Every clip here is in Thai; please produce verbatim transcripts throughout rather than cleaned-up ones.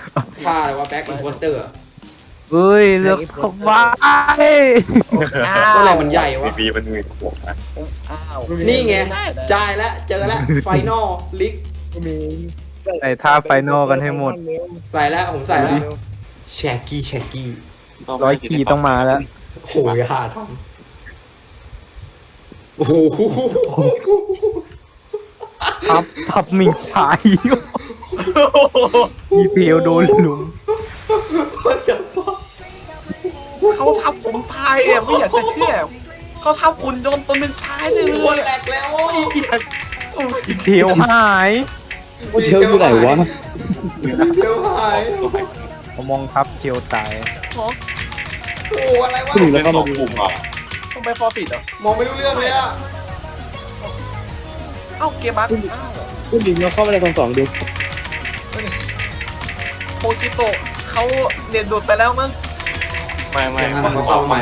ท่าอะไรวะแบ็คอินโพสเตอร์เอ้ยเลือกเข้าไปก็อะไรมันใหญ่วะบีมันมีหัวนะอ้าวนี่ไงจ่ายแล้วเจอแล้วไฟนอลลิกมีใส่ท่าไฟนอลกันให้หมดใส่แล้วผมใส่แล้วแชกกี้แชกกี้ร้อยขีต้องมาแล้วโหยหาทำโอ้โหทับทับมิงชายมีเพลวโดนลุมเขาทับผมตายอ่ะไม่อยากจะเชื่อเขาทับคุณจนตัวหนึ่งตายเลยคนแหลกแล้วไม่อยากโอ้ยเพลวหายเที่ยวอยู่ไหนวะเดี๋ยวหายผมมองทับเพลวตายหมอโอ้อะไรวะเป็นสองกลุ่มอ่ะต้องไปฟอร์ฟิตเหรอมองไม่รู้เรื่องเลยอะเอ้าเกมบัคคุณหญิงเราเข้ามาในกองสองดูโมจิโตะเขาเรียนดูดไปแล้วมั้งไม่ไม่อันนั้นเขาเข้ามาใหม่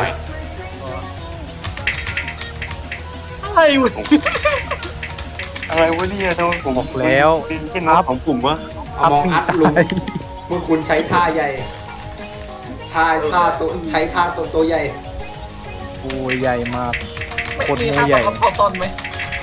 อะไรวะอะไรวะเนี่ยทำไมผมบอกแล้วเป็นแค่นับของกลุ่มวะเอามองอัดลุงเมื่อคุณใช้ท่าใหญ่ท่าท่าตัวใช้ท่าตัวตัวใหญ่โอ้ยใหญ่มากไม่โคตรมีโมท่าใหญ่บังคับตอนไหม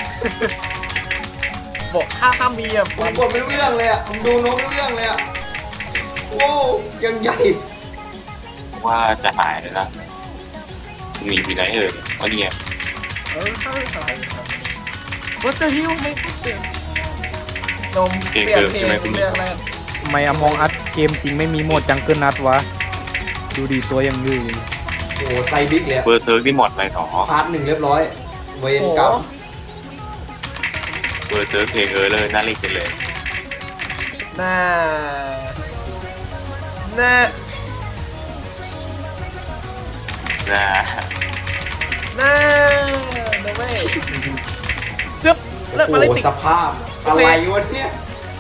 บอกถ้าถ้ามีอ่ะผมกดไม่รู้เรื่องเลยอะผมดูโน้ตไม่รู้เรื่องเลยอะโอ้ยังใหญ่ว่าจะหายเลยนะมีมีไหนเอ่ยวันนี้เออใช่ใช่วัตเตอร์ฮิลไม่ใช่เกมนมเปลี่ยนเพลงเรื่องแรกทำไมอมองอัดเกมจริงไม่มีโหมดจังเกิลนัดวะ ดูดีตัวยังดื้อโอ้ไซบิ๊กเลยอะเบอร์เซิร์กที่หมดอะไรหนอพาร์ทหนึ่งเรียบร้อย เวนกรรมเบอร์เซิร์กเพลงเออเลยน่าเล่นจังเลยน่าน่านะน่าโนเว้ยจึ๊บเลิกโอ้มาเล่นโหติดสภาพอะไรวะเนี่ย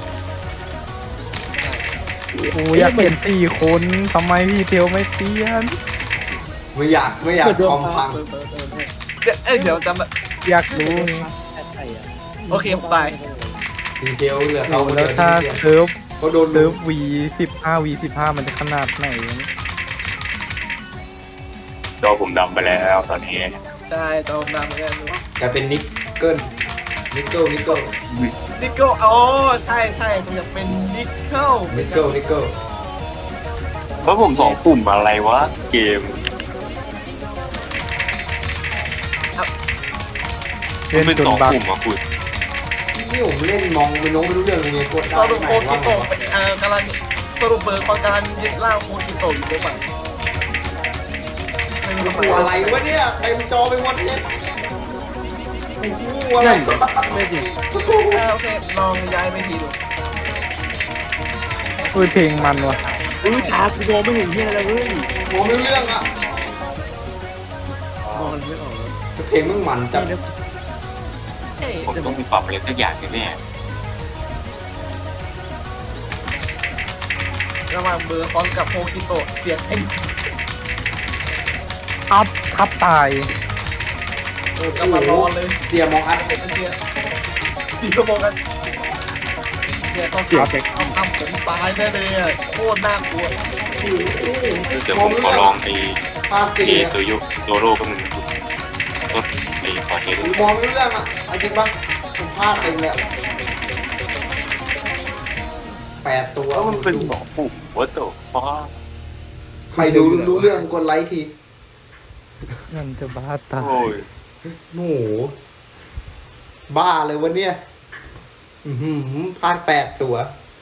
โอ้ยอยากเปลี่ยนสี่คนทำไมพี่เทียวไม่เปลี่ยนไม่อยากไม่อยากคอมพังเดี๋ยวเอ้ยเดี๋ยวจำแบบอยากรู้โอเคผมตายดีเทลเหลือเขาคนแล้เดีวยวถ้าที่เดียวเซิร์ฟเขาโดนเซิร์ฟวีสิบห้าวีสิบห้ามันจะขนาดไหนวะเนี่ยจอผมดำไปแล้วตอนนี้ใช่จอมดำเหมือนกันกลายเป็นนิกเกิลนิกเกิลนิกเกิลนิกเกิลอ๋อใช่ใช่มันจะเป็นนิกเกิลนิกเกิลนิกเกิลเพราะผมสองกลุ่มอะไรวะเกมเล่นเป็นจนสองบักกลุ่มอ่ะคุณนี่ผมเล่นมองไม่น้องไม่รู้เรื่องเลยกดได้สรุปไหนโคจิว่าไงโตะวะเอ่อกำลังสรุปเบอร์คนกำลังยึดล่างโคจิโตะอยู่หรือเปล่าไม่รู้โอ้ทำโหไมอะไรวะเนี่ยเต็มจอไปหมดเนี่ยโอ้โหอะไรวะไม่จริงเออโอเคลองย้ายไปทีดูเฮ้ยเพลงมันวะอุ้ยตากูมองไม่เห็นเฮียอะไรเลยเว้ยมองไม่รู้เรื่องอะมองมันไม่ออกเลยเพลงมึงมันจังเฮ้ยผมต้องมีปรับอะไรสักอย่างแน่ระหว่างเบอร์ฟอนกับโคจิโตะเปลี่ยนไอ้อัพทับตายโอ้กำลังรอเลยเสียมองอัดเป็นเชียร์ดีก็มองกันเนี่ยต้องเสียเด็กทำทำผมตายแน่เลยอ่ะโคตรน่ากลัวๆเดี๋ยวผมขอลองไอ้ภาพสี่เออะตัวยุโซโล่ก็มึงต้นไอ้คอเทสผมมองไม่รู้เรื่องอะเอาจริงปะผมพลาดเต็มเลยอะแปดตัวแล้วมันเป็นสองกลุ่มวัตถุฟ้าใครดูรู้เรื่องกดไลค์ทีนั่นจะบ้าตายโอ้ยโอ้โหบ้าเลยวันเนี้ยอือหือพลาดแปดตัวเ